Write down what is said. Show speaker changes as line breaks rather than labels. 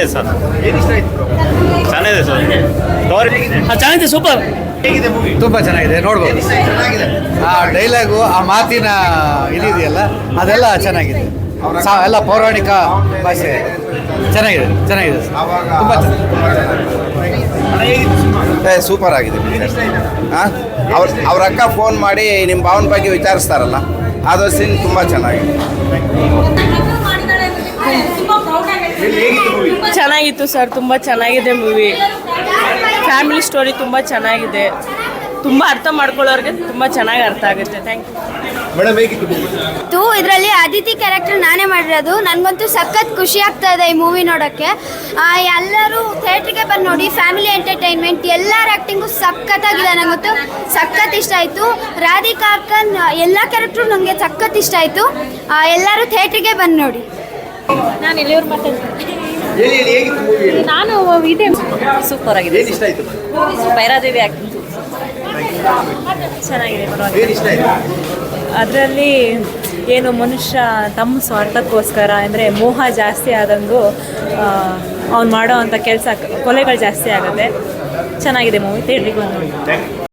ಚೆನ್ನಾಗಿದೆ ಸರ್. ಚೆನ್ನಾಗಿದೆ ಸರ್.
ಚೆನ್ನಾಗಿದೆ, ಸೂಪರ್.
ತುಂಬ ಚೆನ್ನಾಗಿದೆ, ನೋಡ್ಬೋದು. ಆ ಡೈಲಾಗು, ಆ ಮಾತಿನ ಇದೆಯಲ್ಲ, ಅದೆಲ್ಲ ಚೆನ್ನಾಗಿದೆ. ಎಲ್ಲ ಪೌರಾಣಿಕ ಭಾಷೆ ಚೆನ್ನಾಗಿದೆ, ಚೆನ್ನಾಗಿದೆ, ತುಂಬ
ಸೂಪರ್ ಆಗಿದೆ. ಅವ್ರ ಅಕ್ಕ ಫೋನ್ ಮಾಡಿ ನಿಮ್ಮ ಭಾವನ ಬಗ್ಗೆ ವಿಚಾರಿಸ್ತಾರಲ್ಲ, ಅದು ಸೀನ್ ತುಂಬ ಚೆನ್ನಾಗಿದೆ.
ಚೆನ್ನಾಗಿತ್ತು ಸರ್, ತುಂಬ ಚೆನ್ನಾಗಿದೆ ಮೂವಿ. ಫ್ಯಾಮಿಲಿ ಸ್ಟೋರಿ ತುಂಬ ಚೆನ್ನಾಗಿದೆ. ತುಂಬ ಅರ್ಥ ಮಾಡ್ಕೊಳ್ಳೋರಿಗೆ ತುಂಬ ಚೆನ್ನಾಗಿ ಅರ್ಥ ಆಗುತ್ತೆ. Thank
you. ಇದರಲ್ಲಿ ಅದಿತಿ ಕ್ಯಾರೆಕ್ಟರ್ ನಾನೇ ಮಾಡಿರೋದು. ನನಗಂತೂ ಸಖತ್ ಖುಷಿ ಆಗ್ತಾ ಇದೆ ಈ ಮೂವಿ ನೋಡೋಕ್ಕೆ. ಎಲ್ಲರೂ ಥಿಯೇಟ್ರಿಗೆ ಬಂದು ನೋಡಿ. ಫ್ಯಾಮಿಲಿ ಎಂಟರ್ಟೈನ್ಮೆಂಟ್, ಎಲ್ಲರ ಆ್ಯಕ್ಟಿಂಗು ಸಖತ್ತಾಗಿದೆ. ನನಗಂತೂ ಸಖತ್ ಇಷ್ಟ ಆಯಿತು. ರಾಧಿಕಾ ಅಕ್ಕನ್ ಎಲ್ಲ ಕ್ಯಾರೆಕ್ಟ್ರು ನನಗೆ ಸಖತ್ ಇಷ್ಟ ಆಯಿತು. ಎಲ್ಲರೂ ಥಿಯೇಟ್ರಿಗೆ ಬಂದು ನೋಡಿ.
ನಾನು ಎಲ್ಲಿಯವ್ರು ಮಾತಾಡ್ತೀನಿ. ನಾನು ಇದೆ ಸೂಪರ್ ಆಗಿದೆ. ಭೈರಾದೇವಿ ಆ್ಯಕ್ಟಿಂಗ್ ಚೆನ್ನಾಗಿದೆ, ಪರವಾಗಿಲ್ಲ. ಅದರಲ್ಲಿ ಏನು ಮನುಷ್ಯ ತಮ್ಮ ಸ್ವಾರ್ಥಕ್ಕೋಸ್ಕರ ಅಂದರೆ ಮೋಹ ಜಾಸ್ತಿ ಆದಂಗೂ ಅವ್ನು ಮಾಡೋ ಅಂಥ ಕೆಲಸ, ಕೊಲೆಗಳು ಜಾಸ್ತಿ ಆಗುತ್ತೆ. ಚೆನ್ನಾಗಿದೆ ಮೂವಿ, ಥಿಯೇಟ್ರಿಗೆ ಬಂದು ನೋಡಿ.